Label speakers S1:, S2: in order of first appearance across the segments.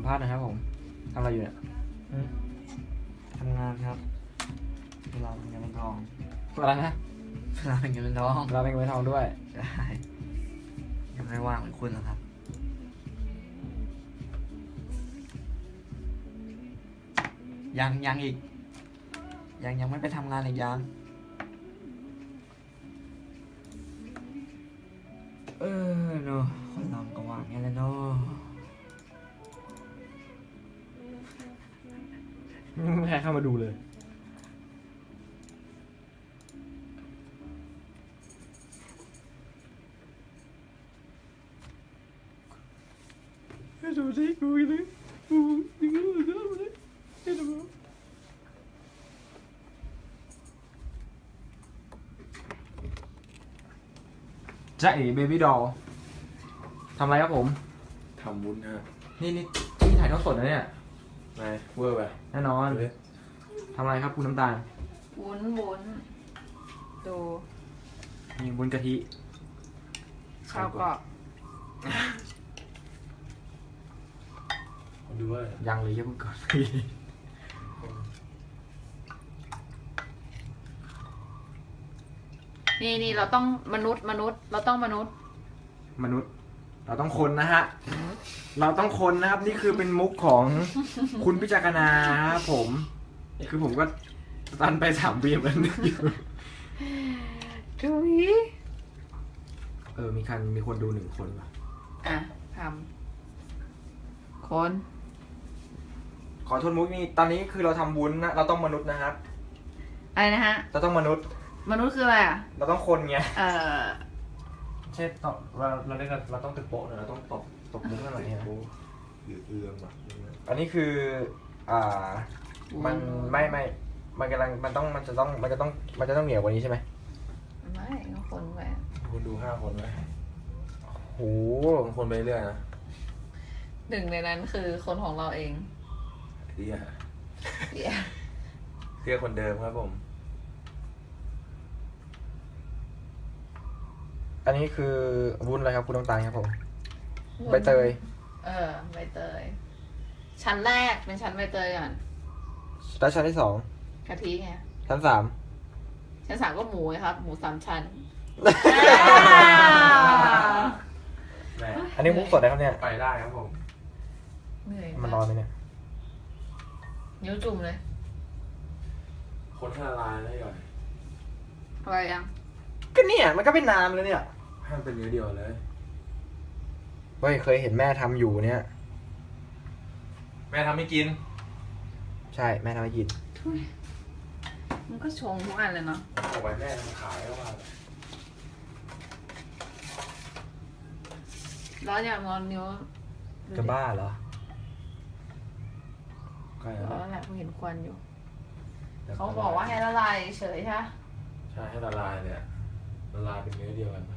S1: มภาษณ์นะครับผมทำอะไรอยู่เนี่ย
S2: ทำงานครับเวลาเป็นเงินเป็นทอง
S1: อะไรนะ
S2: เวลาเป็นเงินเป็นทอง
S1: เราเป็นเงินทองด้วย
S2: ได้ยังไม่ว่างเหมือนคุณหรอกครับยังอีกยังไม่ไปทำงานอีกยังเนาะคนเราก็ว่างอย่างนี้แหละเนาะ
S1: ไม่ใครเข้ามาดูเลยดูสิกูเลยจ๊ะเอ๋เบบี้ดอลทำอะไรครับผม
S3: ทำวุ้นฮะ
S1: นี่ถ่ายทอดสดนะเนี่ย
S3: นายเวอร์ไป
S1: แน่นอนทำอะไรครับคุณน้ำตาล
S4: วุ้นดู
S1: มีวุ้นกะทิ
S4: ข้าวกรอบ
S3: ผมดูว่า
S1: ยังเลยยังเพิ่งก่อน
S4: นี่เราต้องมนุษย์เราต้องมนุษย์
S1: มนุษย์ เราต้องคนนะฮะ เราต้องคนนะครับ นี่คือเป็นมุกของคุณพิจารณาครับผม คือผมก็ตันไป3 วีมันอยู่
S4: ทุย
S1: มีคนดู1 คนว่ะ
S4: อ่ะทำคน
S1: ขอโทษมุกนี่ตอนนี้คือเราทำวุ้นนะเราต้องมนุษย์นะครับ
S4: อะไรนะฮะ
S1: เราต้องมนุษย์
S4: มนุษย์คืออะไรอ่ะ
S1: เราต้องคนไง
S3: เช่นตอบเราเล่นกันเราต้องตึกโป๊ะหน่อยเราต้องตบมุ้งหน่อยเนี่ยหรือเอื้อมอ่ะ
S1: อันนี้คือ มันไม่มันกำลังมันจะต้องเหนียวกว่านี้ใช่ไหม
S4: ไม่ก็คนไป
S3: คุณดู5 คนไหม
S1: โห
S3: บางคนไปเรื่อยนะ
S4: หนึ่งในนั้นคือคนของเราเอง
S3: เตี้ย
S4: เดี๋ยว
S3: เตี้ยคนเดิมครับผม
S1: อันนี้คือวุ้นอะไรครับคุณน้ำตาลครับผมใบเตย
S4: ใบเตย ชั้นแรกเป็นชั้นใบเตยก่อน
S1: แล้วชั้นที่2
S4: กะทิไง
S1: ชั้น3
S4: ชั้น 3ก็หมูครับ หมู3 ชั้น
S3: แหม
S1: อันนี้มุกสดนะครับเนี่ย
S3: ไปได้ครับผม
S4: เหนื่อย
S1: มันร้อนไหมเนี่ย
S4: นิ้วจุ่มเลย
S3: คนให้ละลายได้ก่อน
S4: อะไรยัง
S1: ก็เนี่ยมันก็เป็นน้ำเลยเนี่ย
S3: ให้มันเป็นเนื้อเดียวเลย
S1: เฮ้ยเคยเห็นแม่ทำอยู่เนี่ย
S3: แม่ทำไม่กิน
S1: ใช่แม่ทำให้กิน
S4: ทุยมันก็ชงทุกอันเลยเนาะ
S3: เอาไว้แม่ทำขายก็ว่า
S4: ร้อนอย่างงอนนิ้ว
S1: จะบ้าเหรอ
S3: ใกล้
S4: ร้
S3: แล้
S4: อ
S3: วน
S4: แหละกูเห็นควันอยู่ เขาบอกว่าให้ละลายเฉยใช่ไหม
S3: ใช่ให้ละลายเนี่ยละลายเป็นเนื้อเดียวกัน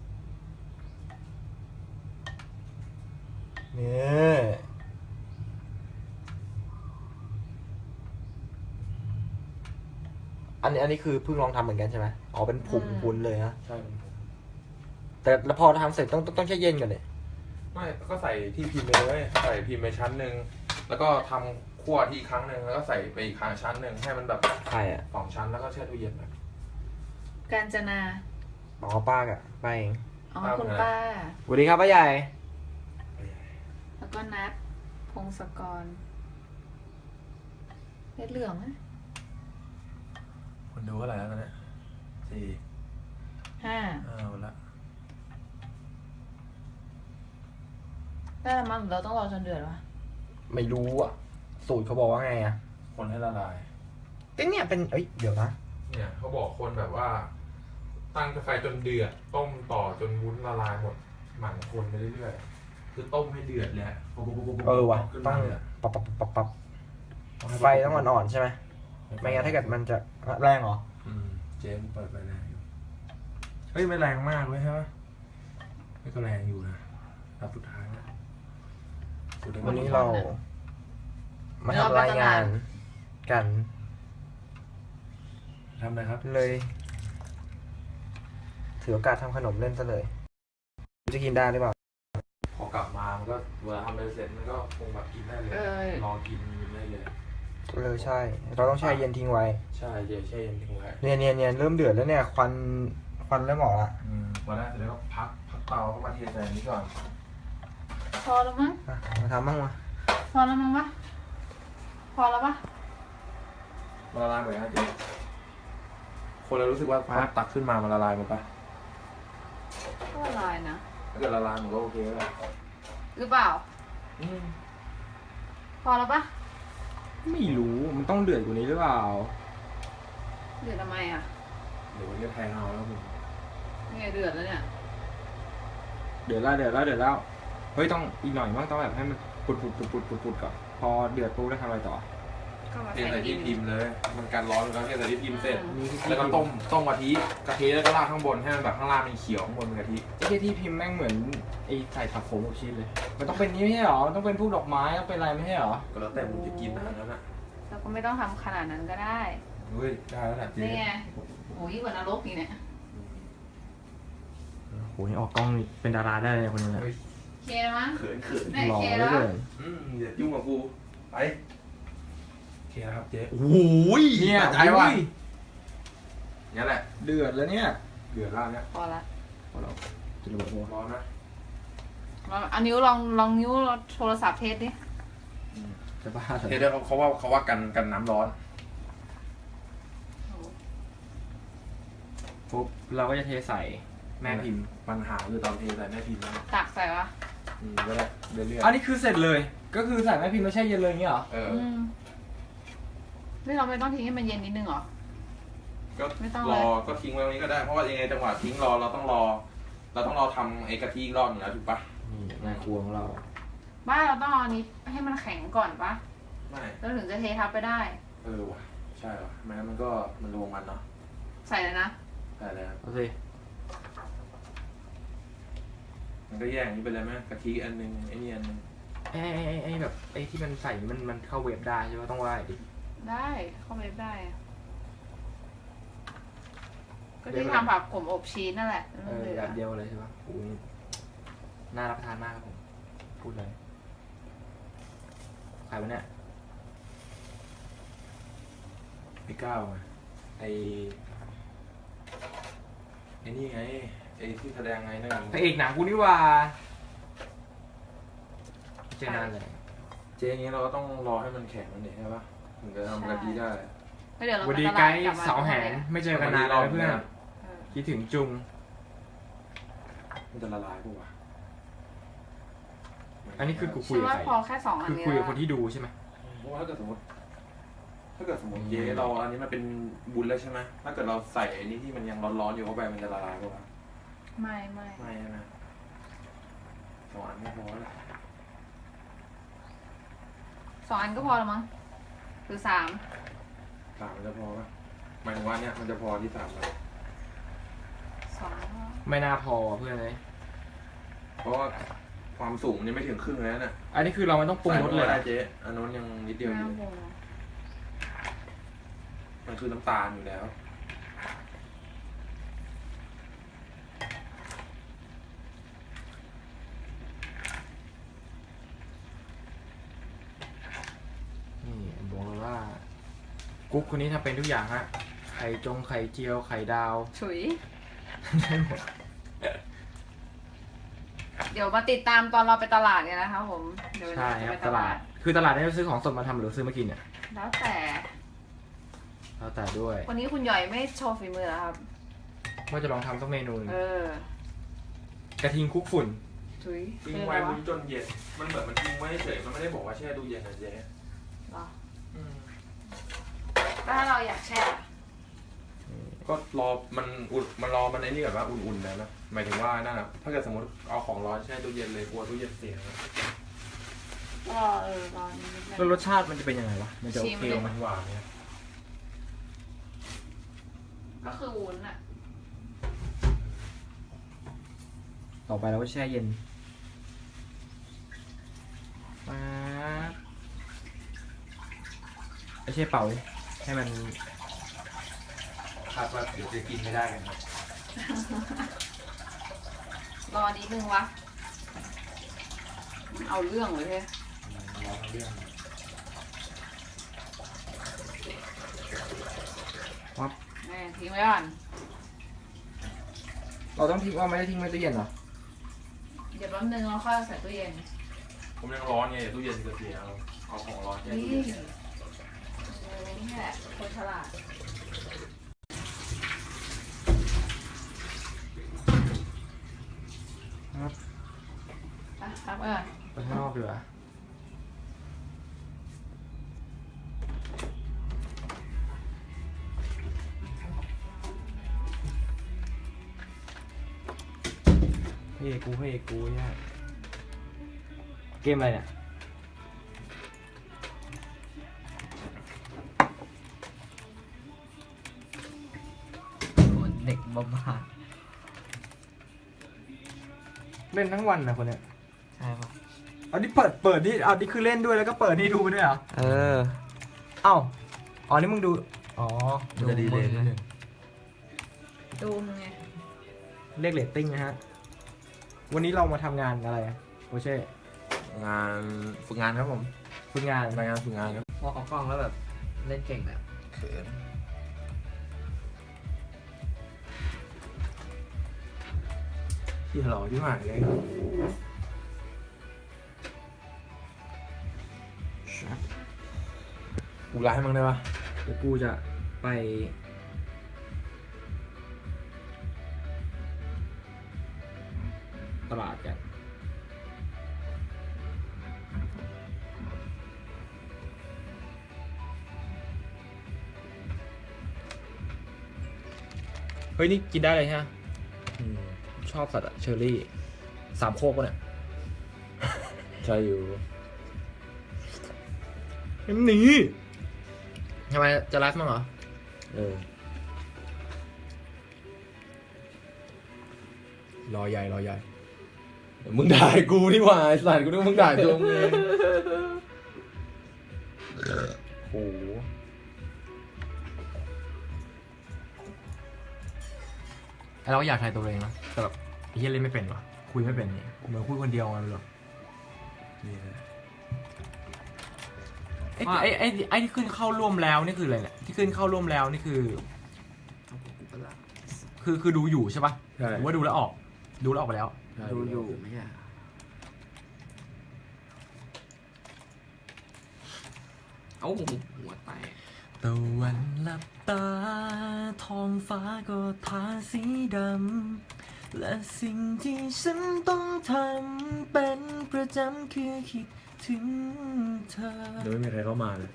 S1: เนี่ยอันนี้คือเพิ่งลองทำเหมือนกันใช่ไหมอ๋อเป็นผงวุ้นเลยนะ
S3: ใช่เป็นผม
S1: แต่แล้วพอทำเสร็จต้องแช่เย็นก่อนเลย
S3: ไม่ก็ใส่ที่พิมพ์ไปเลยใส่พิมพ์ไปชั้นหนึ่งแล้วก็ทำคั่วที่อีกครั้งหนึ่งแล้วก็ใส่ไปอีกครั้งชั้นหนึ่งให้มันแบบ
S1: ใครอ่ะ
S3: 2 ชั้นแล้วก็แช่ตู้เย็นแบบ
S4: กาญจนา
S1: อ๋อป้ากะป้าเอง
S4: อ๋อ
S3: ป้า
S4: คุณ
S3: เป็นไง
S4: ป้า
S1: สวัสดีครับป้าใหญ่
S4: แล้วก็นัดพงศกรเพชรเหลืองไหม
S3: คนดูเท่าไหร่แล้วตอนเนี้ย4
S4: 5
S3: หมดละ
S4: ได้แล้วมั้งเราต้องรอจนเดือดวะ
S1: ไม่รู้อ่ะ สูตรเขาบอกว่าไงอ่ะ
S3: คนให้ละลาย
S1: ก็เนี่ยเป็นเดี๋ยวนะ
S3: เนี่ยเขาบอกคนแบบว่า ตั้งไฟจนเดือดต้มต่อจนวุ้นละลายหมดหมั่นคนไปเรื่อยๆคือต้มให้เดือดเลยปุ๊บ
S1: ว่ะ
S3: ขึ้น
S1: ต้อ
S3: มาง เลย
S1: ปับไฟต้องอ่อนๆใช่ไหมไม่งั้นถ้าเกิดมันจะแรงเหรอ
S3: เจมเปิดไฟแรงอยู่เฮ้ยไม่แรงมากเลยใช่ไหมไม่ก็แรงอยู่นะรอบสุดท้ายนะสุดท้าย
S1: วันนี้เรามาทำรายงานกัน
S3: ทำอะไรครับ
S1: เลย ถือโอกาสทำขนมเล่นซะเลย จะกินได้หรือเปล่า
S3: พอกลับมามันก็เวลาทำไปเสร็จมันก็คงแบบกินได้เลยรอกินได้เลย
S1: ใช่ เราต้องแช่เย็นทิ้งไว้
S3: ใช่เดี๋ยวแช่เย็นทิ้งไว้
S1: เนี่ยเริ่มเดือดแล้วเนี่ยควันเริ่มออกละ
S3: วันนั้นเสร็จแล้วก็พักเตาก็มาเทใส่อันนี้ก่อน
S4: พอแล้วมั้ง
S1: อ่ะมาทำบ้างมา
S4: พอแล้วมั้งวะพอแล้วปะ
S3: มันละลายหมดนะเจ๊คนเรารู้สึกว่าพอตักขึ้นมามันละลายหมดปะ
S4: ก็ละลายนะ
S3: ถ้าเกิดละลายมันก็โอเคแล้ว
S4: หรือเปล่า พอแล้วปะ
S1: ไม่รู้มันต้องเดือดกว่านี้หรือเปล่า
S4: เดือดทำไมอ่ะ
S3: เดี๋ยวมันจะแพงเอาแล้วมึง
S4: นี่ไงเดือดแล้วเนี่ย
S1: เดือดแล้วเฮ้ยต้องอีกหน่อยมั้งต้องแบบให้มันปุดก่อนพอเดือดปุ๊บแล้วทำอะไรต่อ
S4: ก็มา
S3: เท
S4: ใส่
S3: ใส่ที่
S4: ดิน
S3: พิมพ์เลย มันการร้อนแล้วเทใส่ที่พิมพ์เสร็จ
S1: มีที่
S3: แล้วก็ต้มกะทิแล้วก็ราดข้างบนให้มันแบบข้างล่างมันเขียวข้างบนเป็นกะทิ
S1: ไอ้ที่พิมพ์แม่งเหมือนไอ้ใส่ผักโขมกับชีสเลย มันต้องเป็นนี้ไม่ใช่หรอมันต้องเป็นพวกดอกไม้ต้องเป็นอะไรไม่ใช่หรอ
S3: ก็แล้วแต่มึงจะกินนะอันนั้นอ่ะ
S4: เราก็ไม่ต้องทำขนาดนั้นก็ได้
S3: เฮ้ยได้แล้วแหละเจ๊
S4: นี่ไงโอ้ยกว่านรกอีกเนี่ย
S1: โหนี่ออกกล้องนี่เป็นดาราได้เลยคนนี้
S3: เฮ้ย
S4: เคมั้ง
S3: เขิน
S4: ได้
S1: หล่อ
S4: เค
S1: เหลื
S4: แล้
S1: อ
S4: ว
S1: เกิน
S3: อย่ายุ่งกับกูไปเคครับเจ๊
S1: โอ้ยเนี่ย
S3: ใจว่ะนี่แหละ
S1: เดือดแล้วเนี่ย
S3: เดือดแล้วเนี่ย
S4: พอละ
S1: พอเราจะระเบิดหัว
S3: ร้อนนะ
S4: เอานิ้วลองนิ้วโทรศัพท์เทสดิ
S1: จะบ้า
S3: เทเดอร์เขาว่ากันน้ำร้อน
S1: ปุ๊บเราก็จะเทใส่แม่พิมพ์
S3: ปัญหาคือตอนเทใส่แม่พิมพ์นะ
S4: ตักใส่วะ
S3: ก็ได้เรื่อย
S1: อันนี้คือเสร็จเลย ก็คือใส่แม่พิมพ์แล้วแช่เย็นเลยอย่างเงี้ยเหรอ
S3: ๆเออ
S4: นี่เราไม่ต้องทิ้งให้มันเย็นนิดนึงเหรอ
S3: ก็
S4: ไม่ต้อง
S3: ร
S4: เลย
S3: อก็ทิ้งไว้ตรงนี้ก็ได้เพราะว่ายังไงจังหวะทิ้งรอเราต้องรอทำไอ้กะทิอีกรอบหนึงแล้วถูกปะ
S1: นี่แม่ครัวของเรา
S4: บ้านเราต้องเอาอันนี้ให้มันแข็งก่อนปะ
S3: ไม่
S4: แล้วถึงจะเททับไปได้
S3: ว่ะใช่ว่ะไม่งั้นมันก็มันรวมกันเนาะ
S4: ใส่เลยนะ
S3: ใช่แล้ว
S1: เอาสิ
S3: มันก็แยกอย่างนี้ไปเลยไหมกะทิอันนึงไอ้นี่อันนึง
S1: ไอ้แบบไอ้ที่มันใส่มันเข้าเวฟได้ใช่ไหมต้องไหว้ดิ
S4: ได้เข้าเวฟได้อะก็ที่ทำผักขมอบชีสนั่นแหละ
S1: แบบเดียวเลยใช่ปะโอ้ยน่ารับประทานมากครับผมพูดเลยขายวะเนี่ย
S3: พี่ก้าวไงไอ้นี่ไงไอ้ที่แสดงไงนั่น
S1: พระเอกหนังกูนี่ว่าเจอนานเลย
S3: เจ๊อย่างนี้เราก็ต้องรอให้มันแข็งมันเนี่ยใช่ปะถึงจะทำกะทิได้
S4: เดี๋ยวเรา
S1: วัน
S4: ไป
S1: ดี
S4: ต
S1: ไก
S4: ลาด
S1: ด์
S4: กลับมา
S1: เสาแหนไม่เจอกันนานเลยเพื่อน
S4: เออ
S1: คิดถึงจุง
S3: มันจะละลายปะวะ
S1: อันนี้คือกูคุย
S4: ฉัน
S1: กับ
S4: ว่า
S1: ใคร
S4: พอแค่2 อัน
S1: คือ
S4: นี้
S1: คุยกับ
S4: แล้ว
S1: คนที่ดูใช่ไหม
S3: เพราะว่าถ้าเกิดสมมติเจ๊เราอันนี้มันเป็นบุญแล้วใช่ไหมถ้าเกิดเราใส่ไอ้นี่ที่มันยังร้อนๆอยู่เข้าไปมันจะละลายปะวะ
S4: ไม่
S3: ไม่ใช่ไหมสองอันไม่พอแล้ว
S4: 2 อันก็พอแล้วมั้งหรือ3
S3: สามมันจะพอปะหมายถึงว่าเนี่ยมันจะพอที่สามแล้ว
S4: 2
S1: ไม่น่าพอเพื่อนเลย
S3: เพราะว่าความสูงมันยังไม่ถึงครึ่งเลยนะ
S1: อันนี้คือเราไม่ต้องปรุงรสเลย
S3: ได้เจ๊อันนู้นยังนิดเดียวอยู่
S4: น้ำวง
S3: มันคือน้ำตาลอยู่แล้ว
S1: นี่บอกเลยว่ากุ๊กคนนี้ทำเป็นทุกอย่างฮะไข่เจียวไข่ดาว
S4: ฉุย
S1: ได้หมด
S4: เดี๋ยวมาติดตามตอนเราไปตลาดกันนะคะผมเดี๋ยว
S1: ใช่
S4: เรา
S1: ค
S4: จะ
S1: รับ
S4: ไป
S1: ตลาด คือตลาดนี้เราซื้อของสดมาทำหรือซื้อมากินเนี่ย
S4: แล้วแต่
S1: แล้วแต่ด้วย
S4: วันนี้คุณหย่อยไม่โชว์ฝีมือเหรอครับ
S1: ว่าจะลองทำสักเมนูหนึ่ง
S4: อ
S1: กระทิงคลุกฝุ่น
S4: ฉุย
S3: ทิ้ง
S4: คืออะ
S3: ไว้
S4: ไรวะ
S3: บุญจนเย็นมันเหมือนมันทิ้งไว้เฉยมันไม่ได้บอกว่าแช่ตู้เย็นนะเจ๊
S4: เหรอก็ถ้าเราอยากแช่
S3: ก็รอมันอุ่นมันรอมันไอ้นี่แบบว่าอุ่นๆแล้วนะหมายถึงว่านั่นอะถ้าเกิดสมมติเอาของร้อนแช่ตู้เย็นเลยกลัวตู้เย็นเสียนะ
S4: ก็รอนิดนึง
S1: แล้วรสชาติมันจะเป็นยังไงวะ มันจะโอเคไหม
S3: หวานเนี่ย
S4: ก็คือวุ้นอ่ะ
S1: ต่อไปเราก็แช่เย็นป๊าบไม่ใช่เป่าเลยให้มัน
S3: คาดว่าเดี๋ยวจะกินไม่ได้กันครับ
S4: รอนิดนึงวะเอาเรื่องเลยเพ่
S1: รอทั้งเรื่องครับ
S4: แม่ทิ้งไว้ก่อน
S1: เราต้องทิ้งว่าไม่ได้ทิ้งไว้ตู้เย็นเหรอ
S4: เดี๋ยวแป๊บนึงเราค่อยเอาใส่ตู้เย็น
S3: ผมยังร้อนไงตู้เย็นจะเสียเอาของร้อนแช่
S4: นี่
S3: ตู้เย็น
S4: นี่แหละคนฉลาด
S1: ครับ
S4: ไปพักไปก่อน
S1: ไปข้างนอกดีกว่าเฮ้ยกูเนี่ยเกมอะไรเนี่ย
S2: โอ้เด็กบ้า
S1: เล่นทั้งวันนะคนเนี้ย
S2: ๆใช่ปะ
S1: เอานี่เปิดนี่เอานี่คือเล่นด้วยแล้วก็เปิดนี่ดูไปด้วยเหรอ
S2: เออ
S1: เอ้าอ๋อนี่มึงดูอ๋อ
S2: มันจะดีเลยนิดนึง
S4: ดูมึงไง
S1: เรียกเรตติ้งนะฮะวันนี้เรามาทำงานอะไรอะโอเช่
S3: งานฝึกงานครับผม
S1: ฝึกงาน
S3: รายงานฝึกงานครับ
S2: พอเขากล้องแล้วแบบเล่นเก่งแบบ
S3: เขินที่หล่อที่หมายเลยกูไลฟ์ให้มึงได้ปะ
S1: เดี๋ยวกูจะไปตลาดกันเฮ้ยนี่กินได้เลยใช่ไหม
S3: อืม
S1: ชอบสัตว์อะเชอร์รี่สามโคกปะเนี่ย
S3: ใช่อยู่
S1: นี่ทำไมจะไลฟ์มั้งเหรอ
S3: เออ
S1: รอใหญ่รอใหญ่
S3: เดี๋ยวมึงด่ากูนี่หว่าไอ้สัตว์กูนึกว่ามึงด่าตัวมึงเองโอ้โห
S1: ไอเราก็อยากถ่ายตัวเองนะแต่แบบไอ้เฮียเล่นไม่เป็นวะคุยไม่เป็นนี่เหมือนคุยคนเดียวไงไม่รู้
S3: นี่นะ
S1: ไอ้ที่ขึ้นเข้าร่วมแล้วนี่คืออะไรเนี่ยที่ขึ้นเข้าร่วมแล้วนี่คือดูอยู่ใช่ปะ
S3: ใช่
S1: หรือว่าดูแล้วออกดูแล้วออกไปแล้ว
S3: ใช่
S2: ดูอยู่ไม่ใช่เอ้าหัวแตก
S1: ตะวันหลับตาท้องฟ้าก็ทาสีดำและสิ่งที่ฉันต้องทำเป็นประจำคือคิดถึงเธอ
S3: เดี๋ยวไม่มีใครเข้ามาเลย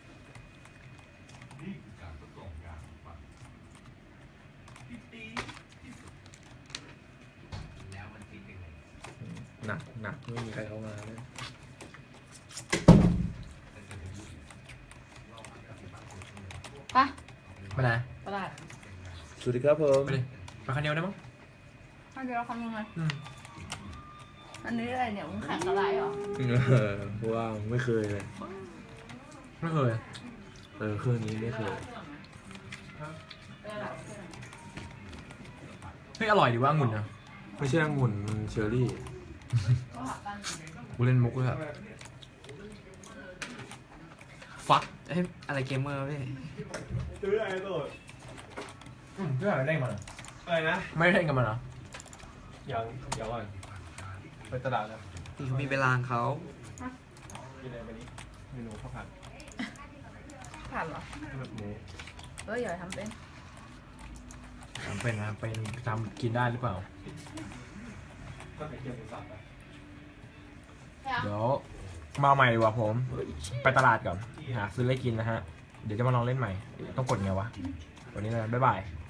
S3: หนักไม่มีใครเข้ามาเลย
S4: ไป
S1: ไปไหน
S4: ตลาด
S3: สวัสดีครับผม
S1: ไปเลยไปคันเดียวได้มั้ง
S4: ถ้าเดี๋ยวเราทำยังไง
S1: อืม
S4: อันนี้อะไรเนี่ยมึงแข่งอะไรเหรอ
S3: เพราะว่าไม่เคยเลย
S1: ไม่เคย
S3: เครื่องนี้ไม่เคย
S1: เฮ้ยอร่อยดีว่าองุ่นนะ
S3: ไม่ใช่องุ่นมันเชอร์รี่
S4: ก็หากัน
S1: กูเล่นมุกด้วยอะฟัก
S2: เอ้ยอะไรเกมเมอร์พี่
S3: ซื้ออะไรโดด
S1: เพื่ออะไรเล่นมัน
S3: อะไรนะ
S1: ไม่ได้เล่นกับมันเหรอ
S3: ยังเดี๋ยวก่อนไปตลาดแล้ว
S2: นี่เขามีเวลาของเขา
S3: กินอะไรไปนี้เมนูข้าวผัด
S4: ผ่านเหรอ
S3: แบบหมู
S4: อย่าทำเป็น
S1: ทำเป็นนะเป็นทำกินได้หรือเปล่า
S3: ก็ไข่เจียวหมูสับไป
S1: เดี๋ยวมาใหม่ดีกว่าผม ไปตลาดก่อนหาซื้ออะไรกินนะฮะ เดี๋ยวจะมาลองเล่นใหม่ ต้องกดไงวะ วันนี้นะบ๊ายบาย